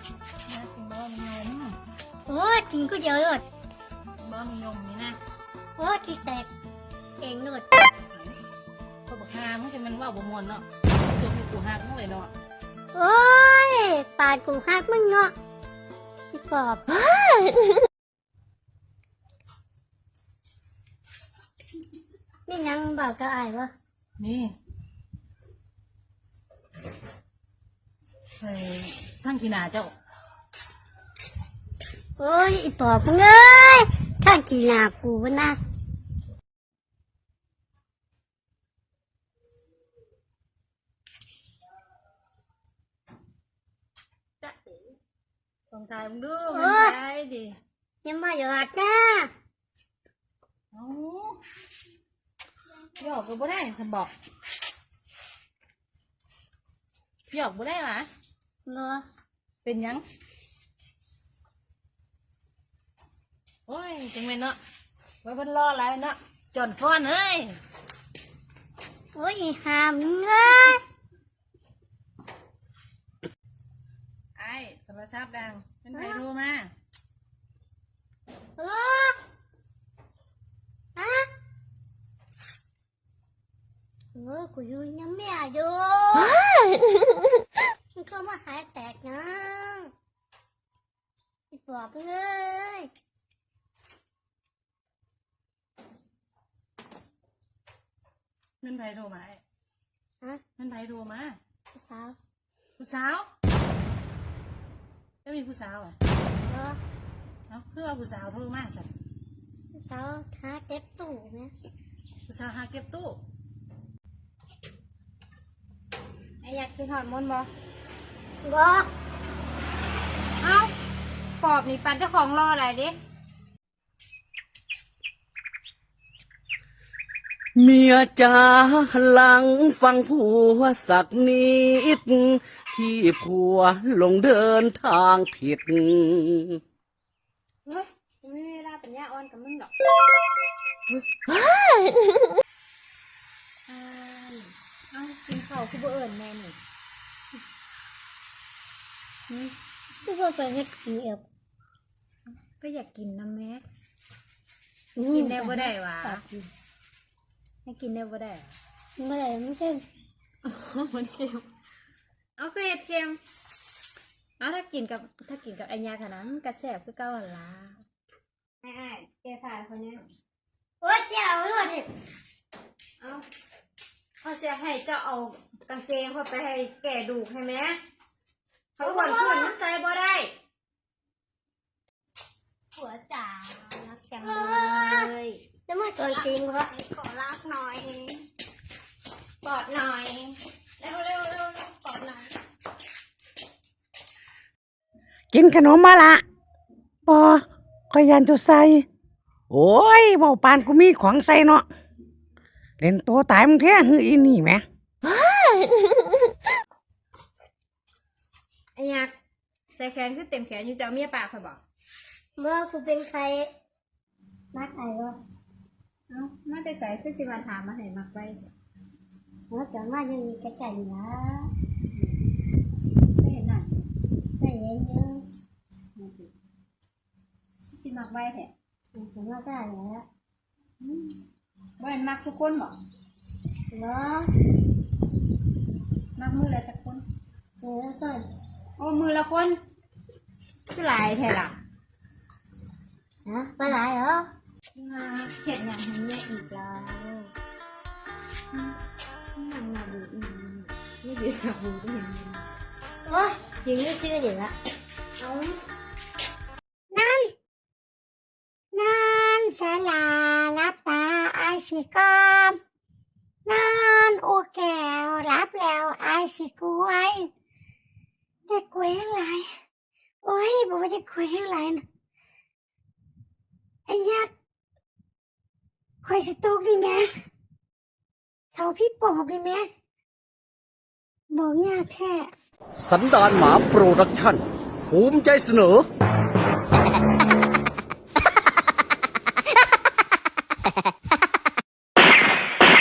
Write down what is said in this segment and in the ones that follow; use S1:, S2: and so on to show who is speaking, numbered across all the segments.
S1: กินบ้องยม
S2: โอ้กินก็เยอะเลย
S1: บ้องยมนี่นะ
S2: โอ้ที่แตกเองเลย
S1: เขาบอกหามันจะมันว่าบ่มวนเนาะส่วนที่กูหักมันเลยเนาะ
S2: โอ้ยปาดกูหักมึงเนาะพี่ปอบนี่ยังบอกกับไอ้วะ
S1: นี่ไปสร้างกีฬาเจ้า
S2: โอ้ยอีปอบมึงเอ้ยข้างกี่หน้ากูวะนะ
S1: ส่งทายมึงดูมันทายดิ
S2: ยังมาหยอดนะ
S1: เอ้าหยอกก็บ่ได้สมบอกหยอกบ่ได้หรอ
S2: รอ
S1: เป็นยังโอ้ยจังเลยเนาะไว้เพิ่นรออะไรเนาะจอนฟ้อนเอ้ย
S2: โอ้ยอีหามงเอ้ย
S1: ไอ้โทรศัพท์ดังเป็นใครโทรมา
S2: ฮัลโหลฮะโอ้ยกูอยู่ยังไม่อายุมันก็มาหายแตกนะอีปอบมึงเอ้ย
S1: เป็นใครโทรมาไอ้
S2: ฮะ
S1: เป็นใครโทรมา
S2: พี่สาว
S1: ผู้สาวจะมีผู้สาวอ่ะ
S2: รอ
S1: เอ้าเพื่อผู้สาวโทรมาสิ
S2: พี่สาวหาเก็บตู้เนี่ย
S1: ผู้สาวหาเก็บตู้
S3: ไอ้อยากกินหอยมนบ่
S2: บอ
S3: เอ้าปอบนี่ปันเจ้าของรออะไรดิ
S4: เมียจ๋าหลังฟังผัวสักนิด ที่ผัวลงเดินทางผิด
S3: เฮ้ยไม่มีเวลาปัญญาอ่อนกับมึงหรอกเอ้ากินข้าวคือบ่เอิญแม่นี่
S2: ทุกคนไปให้กินเอว
S3: ก็อยากกินนะแม่กินได้บ่ได้หวะให้กินได้บ่ได้หรอ
S2: เมื่อไหร่มันเข้ม
S3: มันเค็มเอาคือเห็ดเค็มเอาถ้ากินกับไอ้ยาขนาดนั้นมันกระแสบคือเก่าหั่นล่ะไอ้แกฝ่ายคนนี้
S2: โอ้ยเจ้าด้วยดิ
S3: เอาเขาเสียให้เจ้าเอากางเกงเขาไปให้แก่ดูกให้ไหมเขาอ้วนขึ้นมันใส่บ่ได้
S2: หัวจ๋า
S3: รักจังเลย
S2: จะมาตัวจริงวะ
S3: ขอรักหน่อยกอดหน่อยเร็วเร็วเร็วกอดหน่อย
S5: กินขนมมาละปอคอยยันจะใส่โอ้ยเบาปานกูมีของใส่เนาะเล่นตัวตายมึงแท้หืออีนี่แหม
S3: ไอ้ยักษ์ใส่แขนคือเต็มแขนอยู่เจ้าเมียปากคอยบอก
S2: เมื่อกูเป็นใครมาใครวะ
S3: เอ้ามาแต่ใส่คือสิมาถามมาให้มักไว้
S2: เมื่อจะมายังมีกระจายนะ
S3: ไม่เห็นหน่อย
S2: ไม่เห็นเยอะ
S3: สิมักไว้แท้
S2: ถึงว่าได้แล้ว
S3: บ่เห็นมักทุกคนบอก
S2: เหรอ
S3: มักมือละจักคน
S2: เออก่อน
S3: โอ้มือละคนคือหลายแท้ล่ะ
S2: ฮะไปไหนเหรอ
S3: มาเห็ดอย่างนี้เนี่ยอีกแล้วนั่งมาดูอีกนี่ดีกับดูก็เห็น
S2: โอ้ยยิงไม่ชื่อเดี๋ยวละ
S3: เอา
S2: นั่นสลารับตาไอสิกอมนั่นโอแก้วรับแล้วไอสิกล้วยแต่กล้วยยังไงโอ้ยบอกว่าจะกล้วยยังไงนะไอ้ยักษ์คอยสตุกดิแม่เท่าพี่ปอบดิแม่บอกยากแท้
S4: สันดานหมาโปรดักชั่น ภูมิใจเสนอ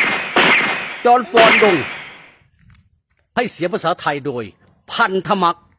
S4: จอห์นฟอนดง ให้เสียงภาษาไทยโดย พันธมัก